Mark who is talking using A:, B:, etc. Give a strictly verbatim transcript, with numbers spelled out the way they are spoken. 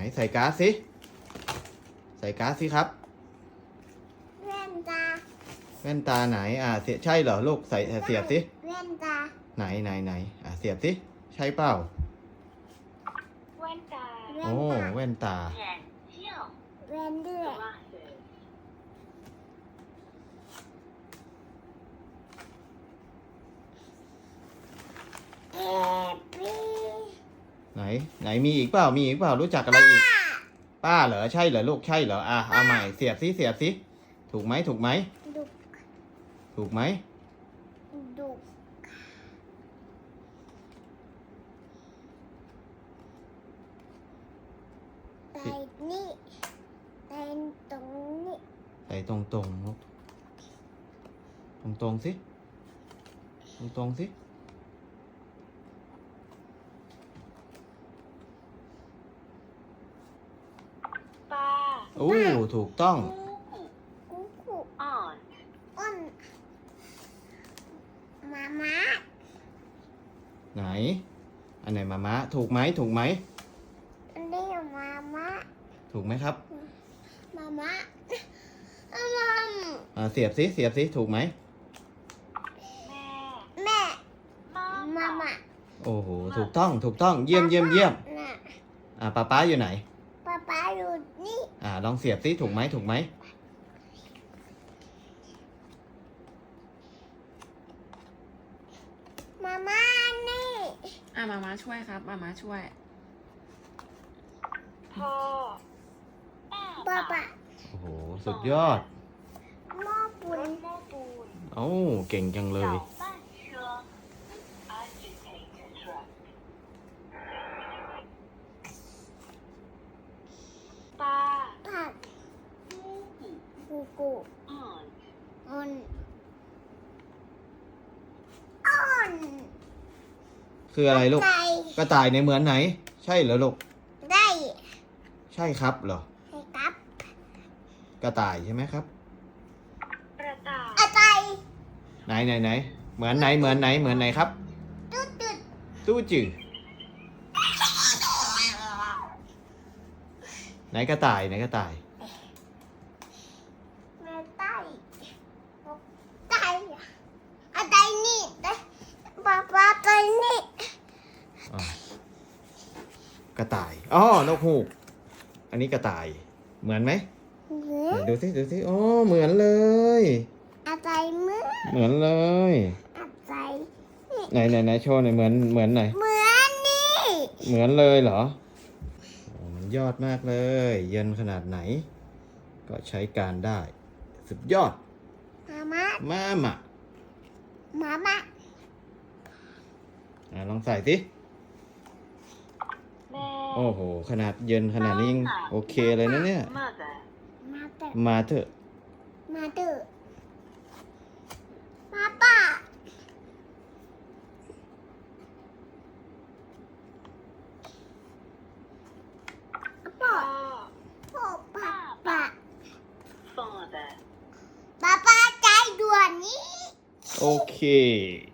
A: ใส่ก๊าซสิใส่ก๊าซสิครับ
B: แว่นตา
A: แว่นตาไหนอ่าเสียใช่เหรอลูกใส่เสียบสิ
B: แว่นตา
A: ไหนไหนไหนอ่าเสียบสิใช่เปล่า
C: แว่นตา
A: โอ้แว่นตา
B: แว่นเดือดแอบปี้
A: ไหนไหนมีอีกเปล่ามีอีกเปล่ารู้จักอะไรอีกป้าเหรอใช่เหรอลูกใช่เหรออ่ะเอาใหม่เสียบสิเสียบสิถูกไหมถูกไหม
B: ดุก
A: ถูกไหม
B: ดุกใส่นี่ใส่ตรงนี้
A: ใส่ตรงตรงลูกตรงตรงสิตรงตรงสิ
C: ปลา
A: โอ้ถูกต้อง
B: กุ๊กกุ๊ก
C: อ่อน
B: อ้นมาม่า
A: ไหนอันไหนมามะถูกไหมถูกไหม
B: อันนี้มาม่า
A: ถูกไหมครับ
B: มาม่าอามัม
A: อ่าเสียบสิเสียบสิถูกไหม
C: แม่
B: แม่
C: มา
B: มาม่า
A: โอ้โหถูกต้องถูกต้องเยี่ยมเยี่ยมเยี่ยม
B: น่ะ
A: อ่าป๊าป๊าอยู่ไหน
B: ป๊าป๊าอยู่นี่
A: อ่าลองเสียบสิถูกไหมถูกไหม
B: มาม่านี่
D: อ่ะมามาช่วยครับมามาช่วย
C: พ่อ
B: ป๊าป๊า
A: โอ้โหสุดยอด
B: หม้อปุ่
C: ร
B: น
C: ถโม้ปูน
A: โอ้เก่งจังเลย
C: 搅拌车 agitator truck ปลา
B: ผัก
C: ปูปู
B: กูกู
C: อ่อน
B: อ่อนอ่อน
A: คืออะไรลูก
B: ไก่
A: กระต่ายในเหมือนไหน ใช่เหรอลูก
B: ได้
A: ใช่ครับเหรอ
B: ให้ครับ
A: กระต่ายใช่ไหมครับ
C: กระต่าย
B: อะไร
A: ไหนไหนไหนเหมือนไหนเหมือนไหนเหมือนไหนครับ
B: ตุ๊ดตุ๊ด
A: ตู้จืดไหนกระต่ายไหนกระต่าย
B: แม่ไต้ไต้อะไรนี่ได้ป๊าป๊าไปนี่
A: อ่ะกระต่ายอ๋อนกฮูกอันนี้กระต่ายเหมือนไหม
B: เหมือ
A: ไหน
B: น
A: ดูสิดูสิอ๋อเหมือนเลย
B: อะไรเหมือน
A: เหมือนเลย
B: อะไร
A: ไหนไหนไหนโชว์หน่อยเหมือนเหมือนไหน
B: เหมือนนี่
A: เหมือนเลยเหรอโอ้มันยอดมากเลย เย็นขนาดไหน ก็ใช้การได้ สุดยอด
B: มาม่า
A: มามา
B: มาม่า
A: อ่ะลองใส่สิ
C: แม่
A: โอ้โห ขนาดเย็นขนาดนี้ยังโอเคเลยนะเนี่ย
C: มาแต่
B: มาเตอ
A: มาเถอะ
B: มาเตอมาป้าพ่อ
C: พ่อ
B: พ่อป้าป้า
C: father
B: ป้าป้าใจด่วนนี้
A: โอเค